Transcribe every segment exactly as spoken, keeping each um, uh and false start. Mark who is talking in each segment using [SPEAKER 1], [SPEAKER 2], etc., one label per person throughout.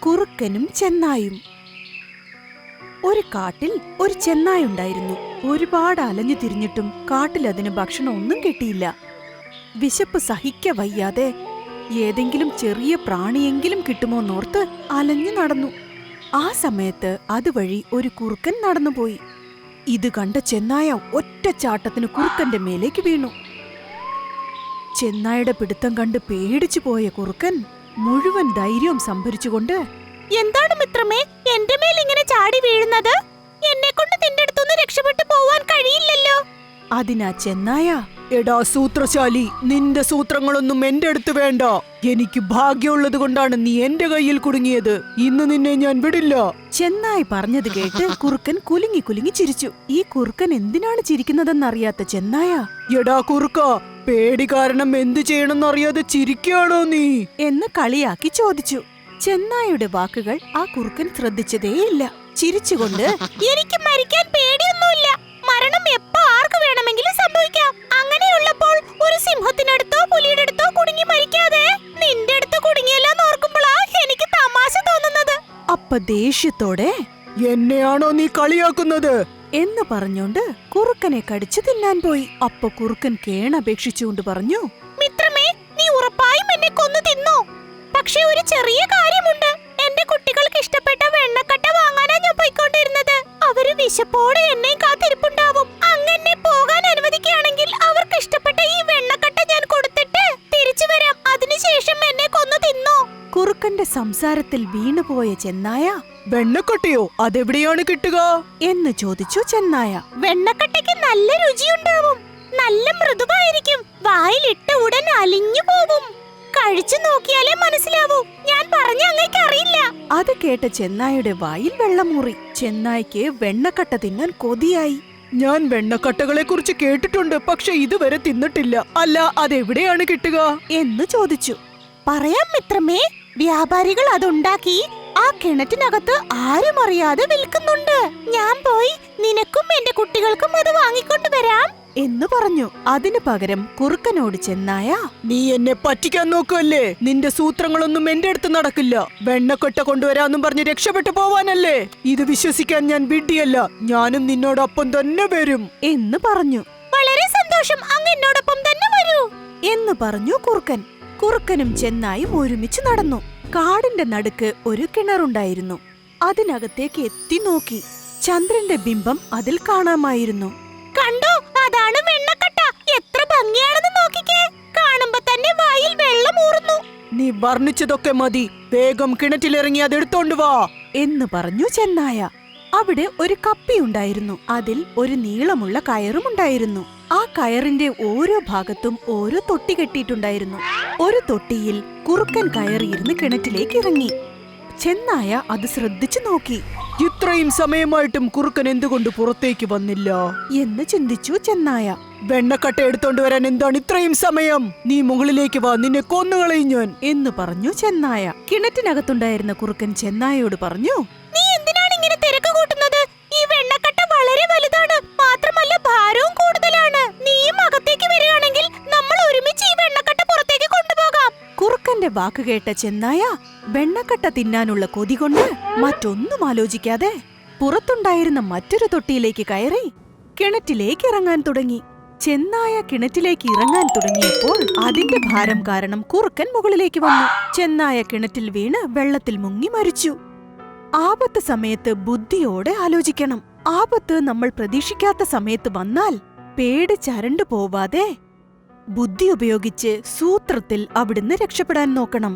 [SPEAKER 1] കുറുക്കനും ചെന്നായും. ഒരു കാട്ടിൽ ഒരു ചെന്നായുണ്ടായിരുന്നു. ഒരുപാട് അലഞ്ഞു തിരിഞ്ഞിട്ടും കാട്ടിൽ അതിന് ഭക്ഷണം ഒന്നും കിട്ടിയില്ല. വിശപ്പ് സഹിക്ക വയ്യാതെ ഏതെങ്കിലും ചെറിയ പ്രാണിയെങ്കിലും കിട്ടുമോന്നോർത്ത് അലഞ്ഞു നടന്നു. ആ സമയത്ത് അതുവഴി ഒരു കുറുക്കൻ നടന്നുപോയി. ഇത് കണ്ട ചെന്നായ ഒറ്റച്ചാട്ടത്തിന് കുറുക്കന്റെ മേലേക്ക് വീണു. ചെന്നായുടെ പിടുത്തം കണ്ട് പേടിച്ചു പോയ കുറുക്കൻ മുഴുവൻ ധൈര്യവും സംഭരിച്ചുകൊണ്ട്,
[SPEAKER 2] എന്താണ് മിത്രമേ എന്റെ മേൽ ഇങ്ങനെ ചാടി വീഴുന്നത്? എന്നെ കൊണ്ട് നിന്റെ അടുത്തൊന്ന് രക്ഷപ്പെട്ടു പോവാൻ കഴിയില്ലല്ലോ.
[SPEAKER 1] അതിനാ ചെന്നായ, എടാ സൂത്രശാലി, നിന്റെ സൂത്രങ്ങളൊന്നും എന്റെ അടുത്ത് വേണ്ട. എനിക്ക് ഭാഗ്യമുള്ളത് കൊണ്ടാണ് നീ എന്റെ കയ്യിൽ കുടുങ്ങിയത്. ഇന്ന് നിന്നെ ഞാൻ വിടില്ല. ചെന്നായി പറഞ്ഞത് കേട്ട് കുറുക്കൻ കുലുങ്ങി കുലുങ്ങി ചിരിച്ചു. ഈ കുറുക്കൻ എന്തിനാണ് ചിരിക്കുന്നതെന്നറിയാത്ത ചെന്നായ, എടാ കുറുക്ക, പേടി കാരണം എന്തു ചെയ്യണമെന്നറിയാതെ ചിരിക്കുകയാണോ നീ എന്ന് കളിയാക്കി ചോദിച്ചു. ചെന്നായുടെ വാക്കുകൾ ആ കുറുക്കൻ ശ്രദ്ധിച്ചതേയില്ല. ചിരിച്ചുകൊണ്ട്,
[SPEAKER 2] എനിക്ക് മരിക്കാൻ പേടിയൊന്നുമില്ല. മരണം എപ്പോ ആർക്ക് വേണമെങ്കിലും സംഭവിക്കാം. അങ്ങനെയുള്ളപ്പോൾ ഒരു സിംഹത്തിനടുത്തോ പുലിയുടെ അടുത്തോ കുടുങ്ങി മരിക്കാതെ നിന്റെ അടുത്ത് കുടുങ്ങിയല്ലാന്ന് ഓർക്കുമ്പോഴാ എനിക്ക് തമാശ തോന്നുന്നത്.
[SPEAKER 1] അപ്പ ദേഷ്യത്തോടെ, എന്നെയാണോ നീ കളിയാക്കുന്നത് എന്ന് പറഞ്ഞോണ്ട് കുറുക്കനെ കടിച്ചു തിന്നാൻ പോയി. അപ്പൊ കുറുക്കൻ കേണപേക്ഷിച്ചുകൊണ്ട് പറഞ്ഞു,
[SPEAKER 2] മിത്രമേ, നീ ഉറപ്പായും എന്നെ കൊന്നു തിന്നോ. പക്ഷെ ഒരു ചെറിയ കാര്യമുണ്ട്. എന്റെ കുട്ടികൾക്ക് ഇഷ്ടപ്പെട്ട വെണ്ണക്കട്ട വാങ്ങാനാ ഞാൻ പോയിക്കൊണ്ടിരുന്നത്. അവര് വിശപ്പോടെ എന്നെ കാത്തിരിപ്പുണ്ടാവും. അങ്ങനെ പോകാൻ അനുവദിക്കുകയാണെങ്കിൽ അവർക്ക് ഇഷ്ടപ്പെട്ട ഈ വെണ്ണക്കട്ട ഞാൻ കൊടുത്തിട്ട് തിരിച്ചു വരാം. അതിനുശേഷം എന്നെ കൊന്നു തിന്നോ.
[SPEAKER 1] കുറുക്കന്റെ സംസാരത്തിൽ വീണുപോയ ചെന്നായ, വെണ്ണക്കട്ടയോ, അതെവിടെയാണ് കിട്ടുക എന്ന് ചോദിച്ചു. ചെന്നായ,
[SPEAKER 2] വെണ്ണക്കട്ടയ്ക്ക് നല്ല രുചിയുണ്ടാവും. നല്ല മൃദുവായിരിക്കും. വായിലിട്ട ഉടൻ അലിഞ്ഞു പോകും. കഴിച്ചു നോക്കിയാലേ മനസ്സിലാവൂ. ഞാൻ പറഞ്ഞ അങ്ങേക്ക് അറിയില്ല.
[SPEAKER 1] അത് കേട്ട ചെന്നായുടെ വായിൽ വെള്ളമൂറി. ചെന്നായ്ക്ക് വെണ്ണക്കട്ട തിന്നാൻ കൊതിയായി. ഞാൻ വെണ്ണക്കട്ടകളെ കുറിച്ച് കേട്ടിട്ടുണ്ട്, പക്ഷെ ഇതുവരെ തിന്നിട്ടില്ല. അല്ല, അതെവിടെയാണ് കിട്ടുക എന്ന് ചോദിച്ചു.
[SPEAKER 2] പറയാം മിത്രമേ, വ്യാപാരികൾ അതുണ്ടാക്കി ആ കിണറ്റിനകത്ത് ആരും അറിയാതെ വിൽക്കുന്നുണ്ട്. ഞാൻ പോയി നിനക്കും എന്റെ കുട്ടികൾക്കും അത് വാങ്ങിക്കൊണ്ടു വരാം
[SPEAKER 1] എന്ന് പറഞ്ഞു. അതിനു പകരം കുറുക്കനോട് ചെന്നായ, നീ എന്നെ പറ്റിക്കാൻ നോക്കുമല്ലേ? നിന്റെ സൂത്രങ്ങളൊന്നും എന്റെ അടുത്ത് നടക്കില്ല. വെണ്ണക്കൊട്ട കൊണ്ടുവരാന്നും പറഞ്ഞ് രക്ഷപ്പെട്ടു പോവാനല്ലേ? ഇത് വിശ്വസിക്കാൻ ഞാൻ വിഡ്ഢിയല്ല. ഞാനും നിന്നോടൊപ്പം തന്നെ വരും എന്ന് പറഞ്ഞു.
[SPEAKER 2] വളരെ സന്തോഷം, അങ്ങ് എന്നോടൊപ്പം തന്നെ വരൂ
[SPEAKER 1] എന്ന് പറഞ്ഞു കുറുക്കൻ. കുറുക്കനും ചെന്നായും ഒരുമിച്ച് നടന്നു. കാടിന്റെ നടുക്ക് ഒരു കിണറുണ്ടായിരുന്നു. അതിനകത്തേക്ക് എത്തി നോക്കി. ചന്ദ്രന്റെ ബിംബം അതിൽ കാണാമായിരുന്നു.
[SPEAKER 2] കണ്ടോ, അതാണ് വെണ്ണക്കട്ട. എത്ര ഭംഗിയാണെന്ന് നോക്കിക്കേ. കാണുമ്പോ തന്നെ വായിൽ വെള്ളം ഊറുന്നു.
[SPEAKER 1] നീ വർണ്ണിച്ചതൊക്കെ മതി. വേഗം കിണറ്റിലിറങ്ങി അതെടുത്തോണ്ട് വാ എന്ന് പറഞ്ഞു ചെന്നായ. അവിടെ ഒരു കപ്പിയുണ്ടായിരുന്നു. അതിൽ ഒരു നീളമുള്ള കയറും ഉണ്ടായിരുന്നു. ആ കയറിന്റെ ഓരോ ഭാഗത്തും ഓരോ തൊട്ടി കെട്ടിയിട്ടുണ്ടായിരുന്നു. ഒരു തൊട്ടിയിൽ കുറുക്കൻ കയറിയിരുന്ന് കിണറ്റിലേക്ക് ഇറങ്ങി. ചെന്നായ അത് ശ്രദ്ധിച്ചു നോക്കി. ഇത്രയും സമയമായിട്ടും കുറുക്കൻ എന്തുകൊണ്ട് പുറത്തേക്ക് വന്നില്ല എന്ന് ചിന്തിച്ചു ചെന്നായ. വെണ്ണക്കട്ട എടുത്തോണ്ട് വരാൻ എന്താണ് ഇത്രയും സമയം? നീ മുകളിലേക്ക് വാ, നിന്നെ കൊന്നുകളയും ഞാൻ എന്ന് പറഞ്ഞു ചെന്നായ. കിണറ്റിനകത്തുണ്ടായിരുന്ന കുറുക്കൻ ചെന്നായയോട് പറഞ്ഞു,
[SPEAKER 2] നീ എന്തിനാണ് ഇങ്ങനെ തിരക്ക് കൂട്ടുന്നത്? ഈ വെണ്ണക്കട്ട വളരെ വലുതാണ്. മാത്രമല്ല ഭാരവും കൂടുതലാണ്. നീയും അകത്തേക്ക് വരികയാണെങ്കിൽ നമ്മൾ ഒരുമിച്ച് ഈ വെണ്ണക്കട്ട പുറത്തേക്ക് കൊണ്ടുപോകാം.
[SPEAKER 1] കുറുക്കന്റെ വാക്ക് കേട്ട ചെന്നായ വെണ്ണക്കട്ട തിന്നാനുള്ള കൊതി കൊണ്ട് മറ്റൊന്നും ആലോചിക്കാതെ പുറത്തുണ്ടായിരുന്ന മറ്റൊരു തൊട്ടിയിലേക്ക് കയറി കിണറ്റിലേക്ക് ഇറങ്ങാൻ തുടങ്ങി. ചെന്നായ കിണറ്റിലേക്ക് ഇറങ്ങാൻ തുടങ്ങിയപ്പോൾ അതിന്റെ ഭാരം കാരണം കുറുക്കൻ മുകളിലേക്ക് വന്നു. ചെന്നായ കിണറ്റിൽ വീണ് വെള്ളത്തിൽ മുങ്ങി മരിച്ചു. ആപത്ത് സമയത്ത് ബുദ്ധിയോടെ ആലോചിക്കണം. ആപത്ത് നമ്മൾ പ്രതീക്ഷിക്കാത്ത സമയത്ത് വന്നാൽ പേടിച്ചരണ്ടു പോവാതെ ബുദ്ധി ഉപയോഗിച്ച് സൂത്രത്തിൽ അവിടുന്ന് രക്ഷപ്പെടാൻ നോക്കണം.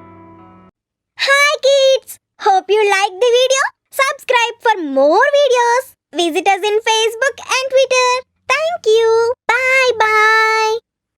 [SPEAKER 2] Hi kids! Hope you like the video. Subscribe for more videos. Visit us in Facebook and Twitter. Thank you. Bye bye.